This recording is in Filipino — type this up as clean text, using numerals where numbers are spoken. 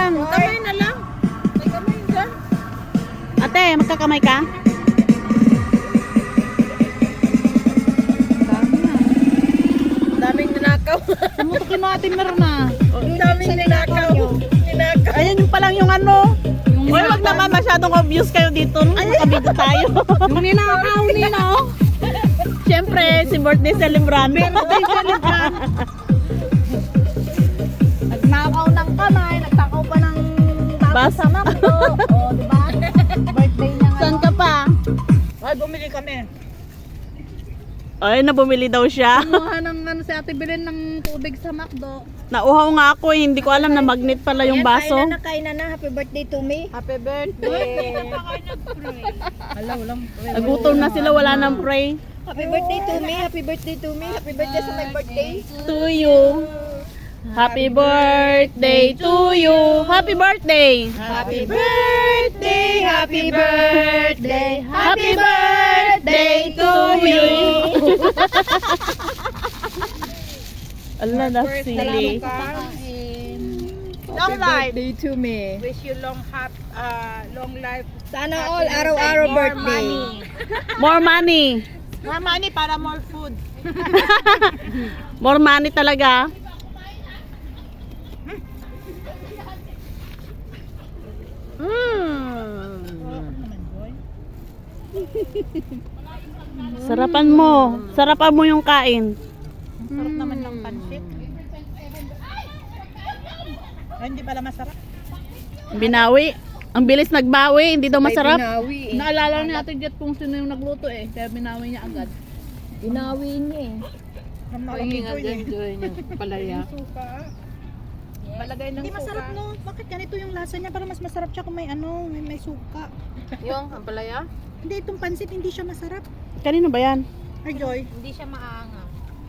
lang. Kamay na lang. May kamay dyan. Ate, magkakamay ka? Daming ninakaw. Tumutukin natin meron na. Daming ninakaw. Ninakaw. Ayan yung palang yung ano. Uy, wag naman masyadong obvious kayo dito. Nakabidyo tayo. Yung ninakaw nila, oh. Siyempre, si birthday celebrant. Birthday celebrant. Nagnakaw ng kamay, nagtakaw pa ng tapos sa makto. O, diba? Birthday niya nga. Saan ka pa? Ay, bumili kami. Ay, nabumili daw siya. Kumuha ng ano si Ate Belen ng tubig sa McDo. Nauhaw nga ako, hindi ko alam na magnet pala yung baso. Kain na. Happy birthday to me. Happy birthday. Hello lang. Nagutom na sila, wala nang pray. Happy birthday to me. Happy birthday to me. Happy birthday sa my birthday. To you. Happy birthday to you. Happy birthday. Happy birthday. Happy birthday. Happy birthday to you. Ala na sili. Long life. Birthday to me. Wish you long life. Sana all araw-araw birthday. More money. More money para more food. More money talaga. Sarapan mo. Sarapan mo yung kain. Sarap naman ng pansit. Ay, hindi pala masarap. Binawi. Ang bilis nagbawi, hindi daw masarap. Binawi eh. Naalala ni Ate Jet kung sino yung nagluto eh. Kaya binawi niya agad. Binawi niya eh. Pahingin nga dyan, Joy niya. Palaya. Palagay ng Hindi masarap no. Bakit ganito yung lasa niya? Para mas masarap siya kung may ano, may suka. Yung ang palaya? Hindi, itong pansit hindi siya masarap. Kanino ba yan? Ay, Joy. Hindi siya maangas.